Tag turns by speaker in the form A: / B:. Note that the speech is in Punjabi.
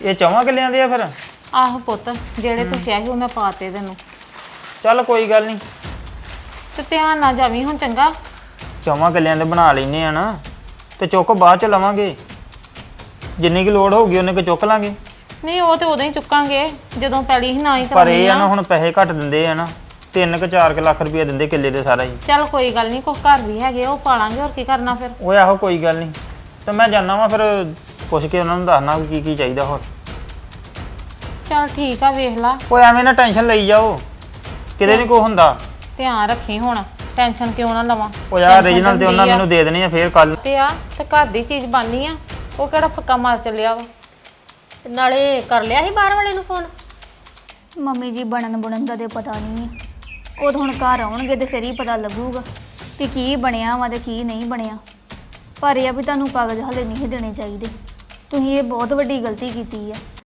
A: ਇਹ 4 ਕਿੱਲਿਆਂ ਦੇ ਆ ਫਿਰ?
B: ਆਹੋ ਪੁੱਤ, ਜਿਹੜੇ ਤੂੰ ਕਿਹਾ ਸੀ ਉਹ ਮੈਂ ਪਾਤੇ ਤੈਨੂੰ।
A: ਚੱਲ ਕੋਈ ਗੱਲ ਨਹੀਂ,
B: ਤੇ ਧਿਆਨ ਨਾਲ ਜਾਵੀਂ ਹੁਣ ਚੰਗਾ।
A: 4 ਕਿੱਲਿਆਂ ਦੇ ਬਣਾ ਲੈਨੇ ਆ ਨਾ, ਤੇ ਚੁੱਕ ਬਾਅਦ ਚ ਲਵਾਂਗੇ। ਜਿੰਨੀ ਕੀ ਲੋੜ ਹੋਊਗੀ ਉਹਨੇ ਕੁ ਚੁੱਕ ਲਾਂਗੇ।
B: ਨਹੀਂ ਉਹ ਤੇ ਉਦੋਂ ਹੀ ਚੁੱਕਾਂਗੇ ਜਦੋਂ ਪਹਿਲੀ ਹੀ ਨਾ ਹੀ
A: ਪਰ
B: ਕਰਾਉਣੀ
A: ਇਹ ਆ ਨਾ
B: ਆ।
A: ਹੁਣ ਪੈਸੇ ਘੱਟ ਦਿੰਦੇ ਆ ਨਾ, 3-4 ਲੱਖ ਰੁਪਏ ਦਿੰਦੇ ਕਿੱਲੇ ਦੇ ਸਾਰਾ ਹੀ।
B: ਚੱਲ ਕੋਈ ਗੱਲ ਨਹੀਂ, ਕੁਛ ਘਰ ਵੀ ਹੈਗੇ ਉਹ ਪਾਲਾਂਗੇ, ਹੋਰ ਕੀ ਕਰਨਾ ਫਿਰ।
A: ਓਏ ਆਹੋ ਕੋਈ ਗੱਲ ਨਹੀਂ, ਤੇ ਮੈਂ ਜਾਣਾ ਵਾ ਫਿਰ ਪੁੱਛ ਕੇ ਉਹਨਾਂ ਨੂੰ ਦੱਸਣਾ ਕੀ ਕੀ ਚਾਹੀਦਾ ਹੋਰ।
B: ਚੱਲ ਠੀਕ ਆ, ਵੇਖ ਲਾ।
A: ਓਏ ਐਵੇਂ ਨਾ ਟੈਨਸ਼ਨ ਲਈ ਜਾਓ, ਕਿਤੇ ਨਹੀਂ ਕੋਈ ਹੁੰਦਾ।
B: ਧਿਆਨ ਰੱਖੀ ਹੁਣ, ਟੈਨਸ਼ਨ ਕਿਉਂ ਨਾ ਲਵਾਂ।
A: ਉਹ ਯਾਰ ਰੀਜਨਲ ਤੇ ਉਹਨਾਂ ਮੈਨੂੰ ਦੇ ਦੇਣੀ ਆ ਫੇਰ ਕੱਲ
B: ਤੇ ਆ ਤੇ ਘਰ ਦੀ ਚੀਜ਼ ਬਣਨੀ ਆ, ਉਹ ਕਿਹੜਾ ਫੱਕਾ ਮਾਰ ਚੱਲਿਆ ਵਾ।
C: ਤੇ ਨਾਲੇ ਕਰ ਲਿਆ ਸੀ ਬਾਹਰ ਵਾਲੇ ਨੂੰ ਫੋਨ?
D: ਮੰਮੀ ਜੀ ਬਣਨ ਦਾ ਤੇ ਪਤਾ ਨਹੀਂ ਹੈ। ਉਹ ਤਾਂ ਹੁਣ ਘਰ ਆਉਣਗੇ ਤੇ ਫਿਰ ਹੀ ਪਤਾ ਲੱਗੂਗਾ ਕਿ ਕੀ ਬਣਿਆ ਵਾ ਤੇ ਕੀ ਨਹੀਂ ਬਣਿਆ। ਪਰ ਇਹ ਆ ਵੀ ਤੁਹਾਨੂੰ ਕਾਗਜ਼ ਹਲੇ ਨਹੀਂ ਦੇਣੇ ਚਾਹੀਦੇ। ਤੁਸੀਂ ਇਹ ਬਹੁਤ ਵੱਡੀ ਗਲਤੀ ਕੀਤੀ ਆ।